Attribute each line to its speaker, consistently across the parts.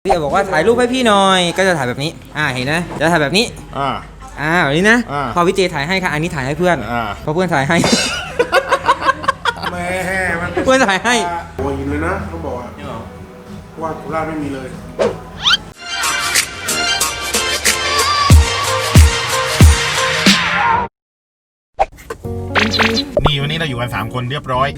Speaker 1: พี่เอ๋บอกว่าถ่ายรูปให้พี่หน่อยก็จะถ่ายแบบนี้เห็นนะจะถ่ายแบบนี้แบบนี้นะพอพี่เจถ่ายให้ค่ะอันนี้ถ่ายให้เพื่อนเพราะเพื่อนถ่ายให้
Speaker 2: แม่มัน
Speaker 1: เพื่อนถ่ายให้
Speaker 2: หัวหินเลยนะเขาบอกว่าโคราชไม่มีเลย
Speaker 3: นี่วันนี้เราอยู่กัน3คนเรียบร้อย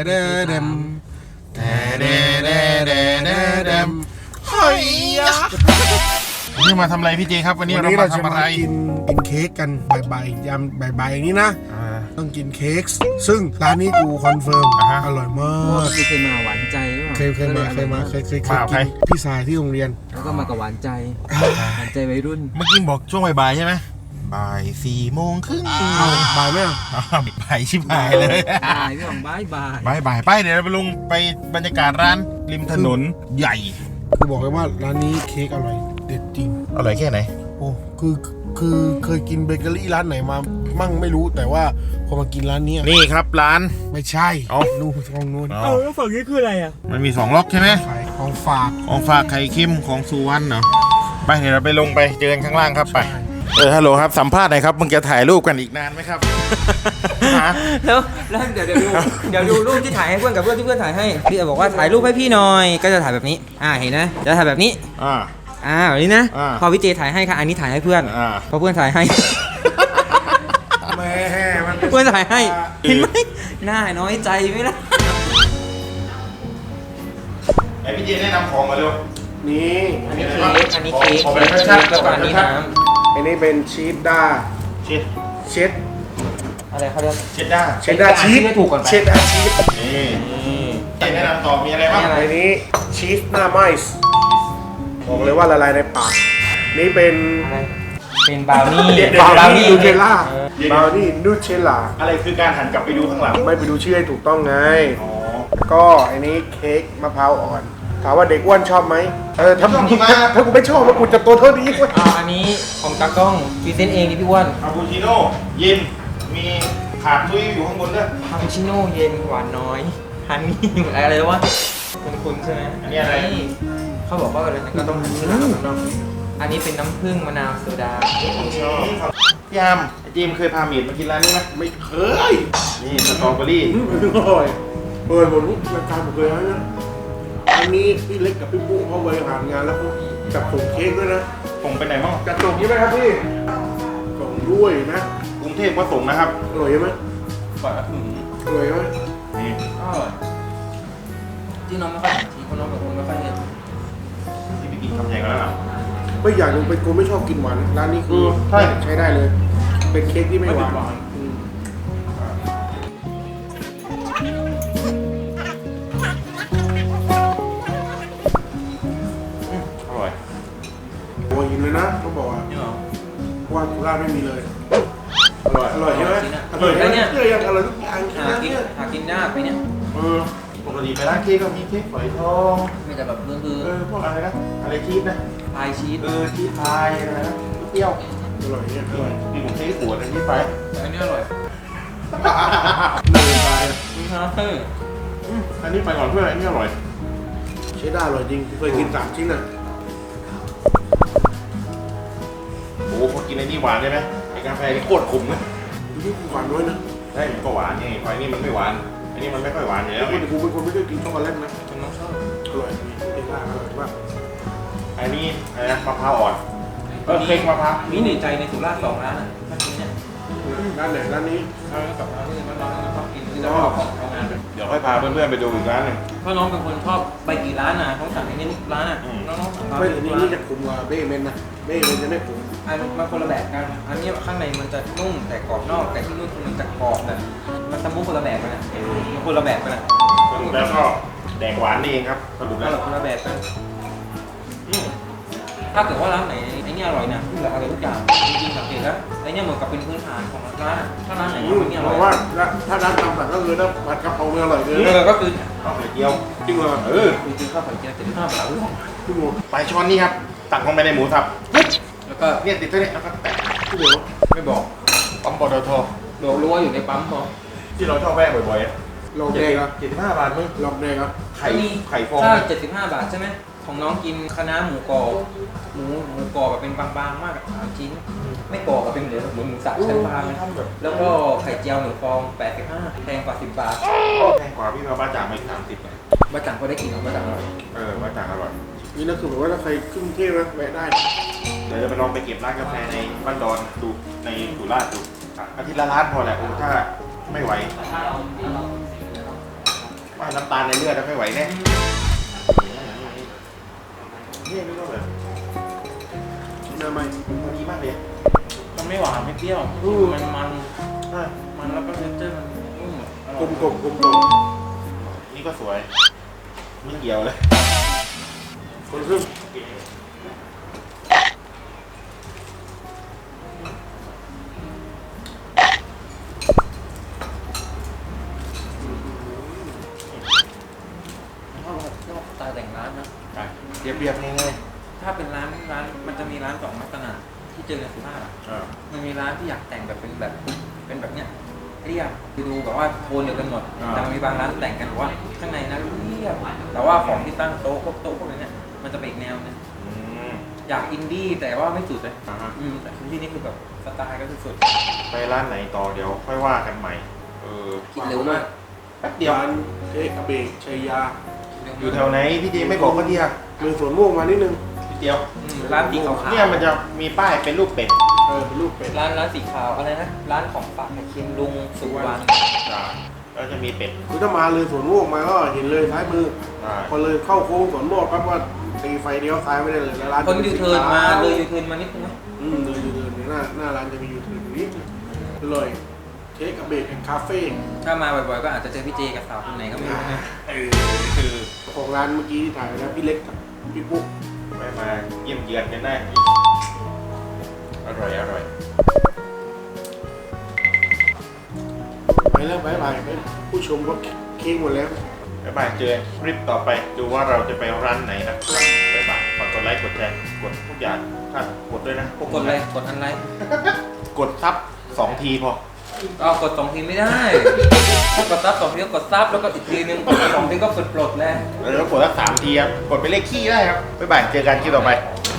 Speaker 3: เฮ้ยวันนี้มาทำอะไรพี่เจครับวันนี้เรามาทำอะไร
Speaker 2: กินเค้กกันบ่ายๆยามบ่ายๆอย่างนี้นะต้องกินเค้กซึ่งร้านนี้กูคอนเฟิร์มอร่อยมาก
Speaker 1: เคยมาหวานใจหรือเปล่า
Speaker 2: เคยกินพี่สายที่โรงเรียน
Speaker 1: แล้วก็มากับหวานใจวัยรุ่น
Speaker 3: เมื่อกี้บอกช่วงบ่ายใช่ไหมบ่าย4 โมงครึ่ง
Speaker 2: บ่ายไหม
Speaker 3: บ่ายชิบหายเลย
Speaker 1: บ่ายพี่ของ
Speaker 3: บ่ายไปเดี๋ยวเราไปลงไปบรรยากาศร้านริมถนนใหญ่
Speaker 2: คือบอกเลยว่าร้านนี้เค้กอร่อยเด็ดจริง
Speaker 3: อร่อยแค่ไหน
Speaker 2: โอ้คือเคยกินเบเกอรี่ร้านไหนมามั่งไม่รู้แต่ว่าพอมากินร้านนี้
Speaker 3: นี่ครับร้าน
Speaker 2: ไม่ใช่นู่นของนู่น
Speaker 1: แล้วฝั่งนี้คืออะไร
Speaker 3: มันมี2 ล็อกใช่ไหม
Speaker 2: ของฝ
Speaker 3: ากไข่เค็มของสุวรรณเนาะไปเดี๋ยวเราไปลงไปเจอกันข้างล่างครับไปฮัลโหลครับสัมภาษณ์หน่อยครับมึงจะถ่ายรูปกันอีกนานไหมครับ
Speaker 1: แล้วเดี๋ยวดูรูปที่ถ่ายให้เพื่อนกับเพื่อนที่เพื่อนถ่ายให้พี่เอ๋บอกว่าถ่ายรูปให้พี่หน่อยก็จะถ่ายแบบนี้เห็นนะจะถ่ายแบบนี้แบบนี้นะพอพี่เจถ่ายให้ค่ะอันนี้ถ่ายให้เพื่อนเพราะเพื่อนถ่ายให้
Speaker 2: แม่มัน
Speaker 1: เพื่อนถ่ายให้เห็นไหมหน้าน้อยใจไหมล่ะ
Speaker 3: ไอพี่เจแนะนำของมาเร็ว
Speaker 2: นี่
Speaker 1: อันนี้เค้กแล้วก็อันนี้น้ำ
Speaker 2: อันนี้เป็นชีสด้าเชด
Speaker 1: อะไรเขาเรียก
Speaker 3: เชดด้า
Speaker 2: ชีส
Speaker 1: ไม่ถูกก่อน
Speaker 2: เชดด้าชีส
Speaker 3: นี่แนะนำต่อมีอะไรบ้าง
Speaker 2: อันนี้ชีสหน้าไมซ์บอกเลยว่าละลายในปากนี่เป็น
Speaker 1: บราวนี่
Speaker 2: นูเทลล่าบราวนี่นูเทลล่า
Speaker 3: อะไรคือการหันกลับไปดูข้างหลัง
Speaker 2: ไม่ไปดูชื่อให้ถูกต้องไงก็อันนี้เค้กมะพร้าวอ่อนถามว่าเด็กอ้วนชอบไหมถ้ากูไม่ชอบแล้วกูจะตัวเท่านี้เว้ย
Speaker 1: อันนี้ของตากล้องพรีเซนต์เองนี่พี่อ้วน
Speaker 3: คาปูชิโน่เย็นมีขาดซุยอยู่ข้างบนด้วย
Speaker 1: คาปูชิโน่เย็นหวานน้อยฮันนี่อะไรวะคุณใช่ไหม
Speaker 3: อันนี้อะไร
Speaker 1: เขาบอกว่าอะไรนะก็ต้องอันนี้เป็นน้ำผึ้งมะนาวโซดา
Speaker 3: ชอบพี่ยามจีมเคยพาเมียมากินร้านนี้ไหม
Speaker 2: ไม่เคย
Speaker 3: นี่สตรอเบอรี่
Speaker 2: อร่อยผมรู้รายการผมเคยให้นะอันนี้พี่เล็กกับพี่ปุ๊เขาบริหารงานแล้วเขาจัดส่งเค้กด้วยนะ
Speaker 3: ส่งไปไหนบ้าง
Speaker 2: จัดส่งใช่ไหมครับพี่ส่งด้วยนะ
Speaker 3: กรุงเทพก็ส่งนะครับ
Speaker 2: อร่อยไหมอร่อยไหม
Speaker 3: นี่
Speaker 1: ที่น้องไม่ค่อยที่คนน้องแบบคนไม่ค่อยเนี่ย
Speaker 3: ที่ไปกินคำใหญ่กันแล้ว
Speaker 2: ไม่อยากลงเป็นคนไม่ชอบกินหวานร้านนี้คือใช้ได้เลยเป็นเค้กที่ไม่หวานหัวหินเลยนะเขาบอกว่าโคราชไม่มีเลยอร่อยใช่ไหมอร่อยเนี่ยอร่อยทุกอย่าง
Speaker 1: หากินยากไปเนี่ย
Speaker 3: ปกติไปร้านเค้กก็มีเค้กฝอยทอง
Speaker 1: ไม่แต่แบบ
Speaker 3: พวกอะไรนะอะไรชีสนะ
Speaker 1: พายชีส
Speaker 3: ชีสพายอะไรนะเปรี้ยว
Speaker 2: อร่อยเนี่ยอร่อย
Speaker 3: มีผมเค้กขวดอะไรชีสไป
Speaker 1: อันนี้อร่อย
Speaker 3: อันนี้ไปก่อนเพื่อนอันนี้อร่อย
Speaker 2: ใช้ได้อร่อยจริงเคยกิน3 ชิ้น
Speaker 3: โอ้พอกินไอ้นี่หวานใช่ไหมไอ้กาแฟนี่โคตรขมนะ
Speaker 2: นี่กูหวานด้วยนะ
Speaker 3: ใช่ก็หวานไงไอ้นี่มันไม่หวานไอ้นี่มันไม่ค่อยหวานอยู่แล้ว
Speaker 2: กูเป็นคนไม่ได้กินช็อกโกแลตนะ
Speaker 1: ฉันน้องชอบ
Speaker 2: อร่อยเองอร่อยมาก
Speaker 3: ไอ้นี่อะไรนะมะพร้าวอ่อนเค้กมะพร้าว
Speaker 1: มีในใจในสุราษฎร์2 ร้านถ้ากินเนี่ย
Speaker 2: ร้านไหนร้านนี้
Speaker 1: กับร้านที่น้องชอบกินจะเอาของทำงาน
Speaker 3: เดี๋ยวค่อยพาเพื่อนๆไปดูอีกร้านหนึ่ง
Speaker 1: เพราะน้องเป็นคนชอบไปกี่ร้านนะเขาสั่งในนี้ร้านน้องสั่ง
Speaker 2: ไม่นี่จะขุ่นกว่าเบ้เมนนะเบ้เมนจะไม่ขุ่น
Speaker 1: มันคนละแบบกันอันนี้ข้างในมันจะนุ่มแต่กรอบนอกแต่ที่นู่นมันจะกรอบแบบมันสมูทคนละแบบกันนะมันคนละแบบกันนะ
Speaker 3: แล้วก็แดกหวานนี่เองครับสรุปแล้ว
Speaker 1: คนละแบบกันถ้าเกิดว่าร้านไหนไอ้นี่อร่อยนะที่เหลืออร่อยทุกอย่างจริงๆสังเกตแล้วไอ้นี่เหมือนกับเป็นพื้นฐานของร้านถ้าร้านไหนไม่อร่อย
Speaker 2: ว่าถ้าร้านตามสั่งก็คือถ้าผัดกะเพราไม่อร่อยเลย
Speaker 1: ก็คือ
Speaker 3: ข้าวไข่เจียว
Speaker 2: จริงเหรอ
Speaker 1: จริงๆข้าวไข่เจียว75 บาท
Speaker 2: พี่หมู
Speaker 3: ปลายช้อนนี่ครับตักลงไปในหมูสับ
Speaker 1: แล้วก็
Speaker 3: เนี่ยติดตัวนี้แล้วก็แตะ
Speaker 2: พี่เดี๋ยว
Speaker 1: ไม่บอก
Speaker 3: ปั๊มปตท
Speaker 1: รู้ว่าอยู่ในปั๊มพอ
Speaker 3: ที่เราชอบแวะบ่อย
Speaker 2: ๆลองเด็กอ่ะ
Speaker 3: 75 บาทมึง
Speaker 2: ลองเด็กอ่ะ
Speaker 3: ไข่ฟอง
Speaker 1: ถ้า75 บาทใช่ไหมของน้องกินคะน้าหมูกรอบหมูกรอบแบบเป็นบางๆมากอะ3 ชิ้น ไม่กรอบแบบเป็นเหมือนหมูสับชั้นบางแล้วก็ไข่เจียว1 ฟอง85แพงกว่า10 บาท
Speaker 3: แพงกว่าพี่มาบ้าจ่างไป30เลย
Speaker 1: บ้าจังก็ได้กินหรอบ้าจังอร่อย
Speaker 3: บ้าจ่างอร่อย
Speaker 2: นี่นะคือแบบว่าถ้าใครขึ้นกรุงเทพนะแวะได้
Speaker 3: เดี๋ยวจะไปลองไปเก็บร้านกาแฟในบ้านดอนดูในสุราษฎร์ดูอาทิตย์ละร้านพอแหละถ้าไม่ไหวว่าน้ำตาลในเลือดไม่ไหวแน่นี่ไม่ต้องเลย
Speaker 2: น้ำไหม
Speaker 3: พอดีมากเลย
Speaker 1: มันไม่หวานไม่เปรี้ยวมันแล้วก็เทคเจอร์มันนุ่ม
Speaker 2: กลมๆกลม
Speaker 3: นี่ก็สวยไม่เกี่ยวเลย
Speaker 2: ๆคนครึ่ง
Speaker 1: ชอบสไตล์แต่งร้านนะ
Speaker 3: เรียบๆง่าย
Speaker 1: ถ้าเป็นร้านมันจะมีร้าน2 ลักษณะที่เจอในสุราษฎร์อะมันมีร้านที่อยากแต่งแบบเป็นแบบเนี้ยเรียบดูแบบว่าโทนเดียวกันหมดแต่มันมีบางร้านแต่งกันว่าข้างในนั้นเรียบแต่ว่าของที่ตั้งโต๊ะพวกนี้เนี่ยมันจะเป็นอีกแนวนึงอยากอินดี้แต่ว่าไม่สุดเลยแต่ที่นี่คือแบบสไตล์ก็คือสุด
Speaker 3: ไปร้านไหนต่อเดี๋ยวค่อยว่ากันใหม่
Speaker 1: กินเร็วมาก
Speaker 3: แป๊บเดียว
Speaker 2: ร้านเค้กอเบกชัยยา
Speaker 3: อยู่แถวไหนพี่เจไม่บอกก็ดีอะ
Speaker 2: เลยสวนม่วงมานิดนึง
Speaker 3: นิดเดียว
Speaker 1: ร้านสีขาวๆ
Speaker 3: เนี่ยมันจะมีป้ายเป็นรูปเป็ด
Speaker 2: เป็นลูกเป็ด
Speaker 1: ร้านสีขาวอะไรนะร้านของฝากไข่เค็มลุงสุวรรณ
Speaker 3: แล้วจะมีเป็ด
Speaker 2: คือถ้ามาเลยสวนม่วงมาก็เห็นเลยซ้ายมือ พอเลยเข้าโค้งสวนม่วงปั๊บว่าตีไฟเลี้ยวซ้ายไม่ได้เลยแล้วร้าน
Speaker 1: คนยูเทิร์นมาเลยยูเทิร์นมานิดนึงไหม
Speaker 2: เลยยูเทิร์นเนี่ยหน้าร้านจะมียูเทิร์นอยู่นิดนึงเลยเค้กอเบกแห่งคาเฟ่
Speaker 1: ถ้ามาบ่อยๆก็อาจจะเจอพี่เจกับสาวคนไหนก็ไม่รู้นะ
Speaker 3: คือ
Speaker 2: ของร้านเมื่อกี้ที่ถ่ายนะพี่เล็กกับพี่ปุ๊ก
Speaker 3: ไปมาเยี่ยมเยือนกันได้อร่อย
Speaker 2: ไปแล้วบายบายผู้ชมก็เค้กหมดแล้ว
Speaker 3: บ๊ายบายเจอคลิปต่อไปดูว่าเราจะไปร้านไหนนะบ๊ายบายฝากกดไลค์กดแชร์กดทุกอย่างกดด้วยนะ
Speaker 1: กดเลยกดอันไลค์
Speaker 3: กดซับ2 ทีพอ
Speaker 1: ก็กด2 ทีไม่ได้ ถ้ากดซับ2 ทีก็กดซับแล้วก็อีกทีนึงกด2 ทีก็กดปลดแล้ว
Speaker 3: แล้วกดสัก3 ทีครับกดไปเลขขี้ได้ครับบ๊ายบายเจอกันคลิปต่อไป